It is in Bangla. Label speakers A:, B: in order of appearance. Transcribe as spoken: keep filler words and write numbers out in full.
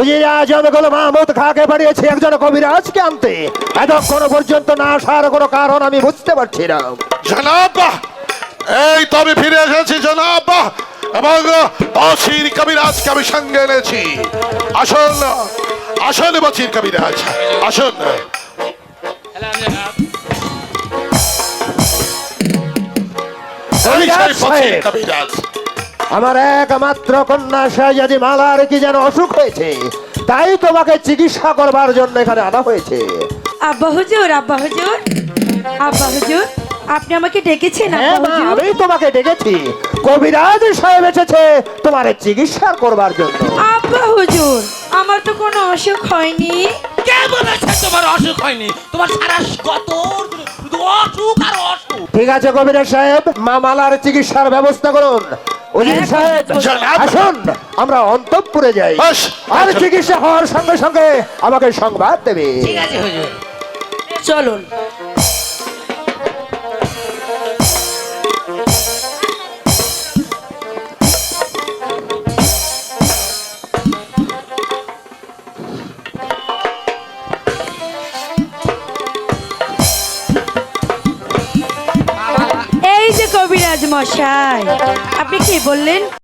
A: উজিরা জনগণ মাহমুদ খাকে পাঠিয়েছে একজন কবিরাজকে আনতে। এতক্ষণ পর্যন্ত না আসার কোনো কারণ আমি বুঝতে পারছি না।
B: জনাব, এই তো আমি ফিরে এসেছি জনাব, এবং বসির কবিরাজকে আমি সঙ্গে এনেছি। আসুন আসুন বসির কবিরাজ, আসুন।
A: কবিরাজ
B: বসির
A: সাহেব,
B: কবিরাজ,
A: আমার একমাত্র কন্যা শাহজাদি মালার কি যেন অসুখ হয়েছে, তাই তোমাকে চিকিৎসা করবার জন্য এখানে আনা হয়েছে।
C: আব্বা হুজুর, আব্বা হুজুর, আব্বা হুজুর, আপনি আমাকে ডেকেছেন?
A: হ্যাঁ
C: আব্বা
A: মা,
C: হুজুর,
A: আমি তোমাকে ডেকেছি। কবিরাজ সাহেব এসেছে তোমার চিকিৎসা করবার জন্য।
C: আব্বা হুজুর, আমার তো কোনো অসুখ হয়নি।
D: কে বলেছে তোমার অসুখ হয়নি? তোমার সারা গত শুধু অসুখ আর অসুখ।
A: ঠিক আছে কবিরাজ সাহেব, মা মালার চিকিৎসার ব্যবস্থা করুন। উজির সাহেব আসুন, আমরা অন্তঃপুরে যাই,
B: বাস,
A: আর চিকিৎসা হওয়ার সঙ্গে সঙ্গে আমাকে সংবাদ দেবে।
D: ঠিক আছে হুজুর।
C: চলুন। এই যে কবিরাজ মশাই, আপনি কি বললেন?